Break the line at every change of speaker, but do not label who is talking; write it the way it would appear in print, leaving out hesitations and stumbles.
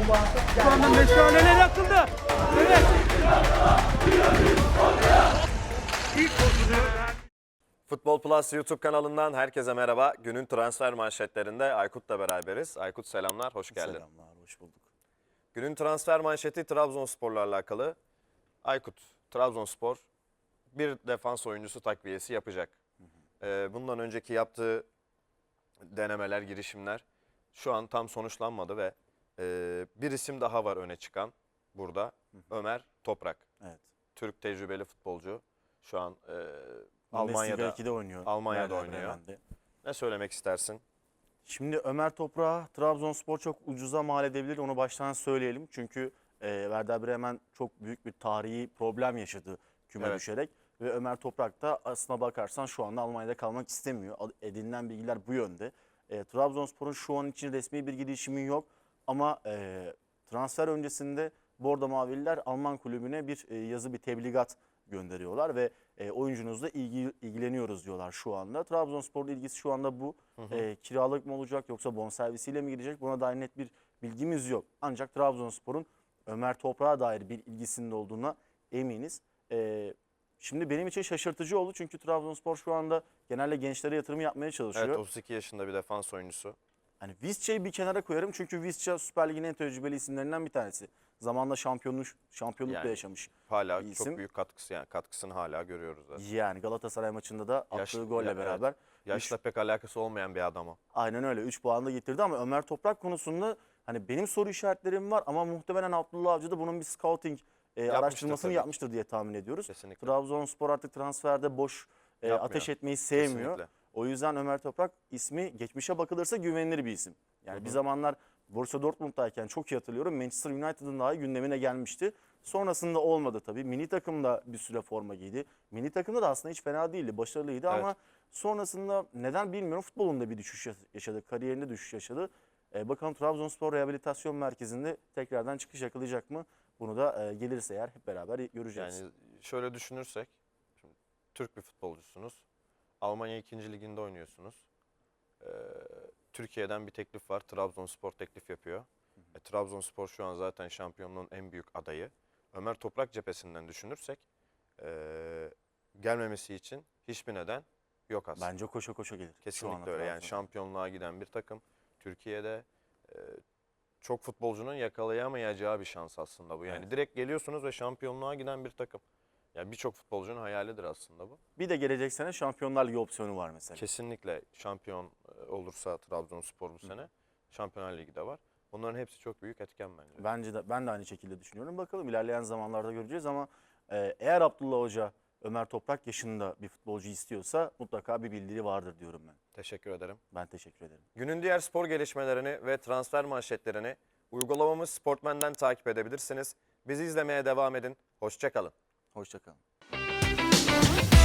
Şu anda meşaleler yakıldı. Evet.
Futbol Plus YouTube kanalından herkese merhaba. Günün transfer manşetlerinde Aykut'la beraberiz. Aykut selamlar, hoş geldin.
Selamlar, hoş bulduk.
Günün transfer manşeti Trabzonspor'la alakalı. Aykut, Trabzonspor bir defans oyuncusu takviyesi yapacak. Bundan önceki yaptığı denemeler, girişimler şu an tam sonuçlanmadı ve bir isim daha var öne çıkan burada. Ömer Toprak.
Evet.
Türk tecrübeli futbolcu. Şu an
Almanya'da
Almanya'da
2'de oynuyor.
Almanya'da
Werder
oynuyor.
Bremen'de.
Ne söylemek istersin?
Şimdi Ömer Toprak'a Trabzonspor çok ucuza mal edebilir. Onu baştan söyleyelim. Çünkü Werder Bremen çok büyük bir tarihi problem yaşadı küme
Evet.
düşerek. Ve Ömer Toprak da aslına bakarsan şu anda Almanya'da kalmak istemiyor. Edinilen bilgiler bu yönde. Trabzonspor'un şu an için resmi bir girişimi yok. Ama transfer öncesinde Bordo Mavililer Alman kulübüne bir yazı, bir tebligat gönderiyorlar ve oyuncunuzla ilgileniyoruz diyorlar şu anda. Trabzonspor'un ilgisi şu anda bu. Kiralık mı olacak yoksa bonservisiyle mi gidecek? Buna dair net bir bilgimiz yok. Ancak Trabzonspor'un Ömer Toprak'a dair bir ilgisinin olduğuna eminiz. Şimdi benim için şaşırtıcı oldu çünkü Trabzonspor şu anda genelde gençlere yatırım yapmaya çalışıyor.
Evet, 32 yaşında bir defans oyuncusu.
Hani Visca'yı bir kenara koyarım çünkü Visca Süper Lig'in en tecrübeli isimlerinden bir tanesi. Zamanla şampiyonluk da
Yani
yaşamış.
Hala
bir
çok
isim.
büyük katkısı, yani katkısını hala görüyoruz zaten.
Yani Galatasaray maçında da attığı
Yaş-
golle
evet.
beraber.
Yaşla pek alakası olmayan bir adam o.
Aynen öyle 3 puan da getirdi ama Ömer Toprak konusunda hani benim soru işaretlerim var ama muhtemelen Abdullah Avcı da bunun bir scouting araştırmasını
tabii.
yapmıştır diye tahmin ediyoruz.
Kesinlikle.
Trabzonspor artık transferde boş
Yapmıyor.
ateş etmeyi sevmiyor.
Kesinlikle.
O yüzden Ömer Toprak ismi geçmişe bakılırsa güvenilir bir isim. Yani bir zamanlar Borussia Dortmund'dayken çok iyi hatırlıyorum Manchester United'ın daha gündemine gelmişti. Sonrasında olmadı tabii. Milli takımda bir süre forma giydi. Milli takımda da aslında hiç fena değildi, başarılıydı
Evet.
ama sonrasında neden bilmiyorum futbolunda bir düşüş yaşadı, kariyerinde düşüş yaşadı. Bakalım Trabzonspor Rehabilitasyon Merkezi'nde tekrardan çıkış yakalayacak mı? Bunu da gelirse eğer hep beraber göreceğiz.
Yani şöyle düşünürsek, şimdi Türk bir futbolcusunuz. Almanya 2. liginde oynuyorsunuz. Türkiye'den bir teklif var. Trabzonspor teklif yapıyor. Trabzonspor şu an zaten şampiyonluğun en büyük adayı. Ömer Toprak cephesinden düşünürsek gelmemesi için hiçbir neden yok aslında.
Bence koşa koşa gelir. Şu
Kesinlikle
anda
öyle. Yani
Trabzonspor.
şampiyonluğa giden bir takım. Türkiye'de çok futbolcunun yakalayamayacağı bir şans aslında bu. Yani
Evet.
direkt geliyorsunuz ve şampiyonluğa giden bir takım. Yani birçok futbolcunun hayalidir aslında bu.
Bir de gelecek sene Şampiyonlar Ligi opsiyonu var mesela.
Kesinlikle şampiyon olursa Trabzonspor bu sene Şampiyonlar Ligi de var. Bunların hepsi çok büyük etken bence.
Ben de aynı şekilde düşünüyorum. Bakalım ilerleyen zamanlarda göreceğiz ama eğer Abdullah Hoca Ömer Toprak yaşında bir futbolcu istiyorsa mutlaka bir bildiri vardır diyorum ben.
Teşekkür ederim.
Ben teşekkür ederim.
Günün diğer spor gelişmelerini ve transfer manşetlerini uygulamamız Sportmen'den takip edebilirsiniz. Bizi izlemeye devam edin. Hoşça kalın.
Hoşça kalın.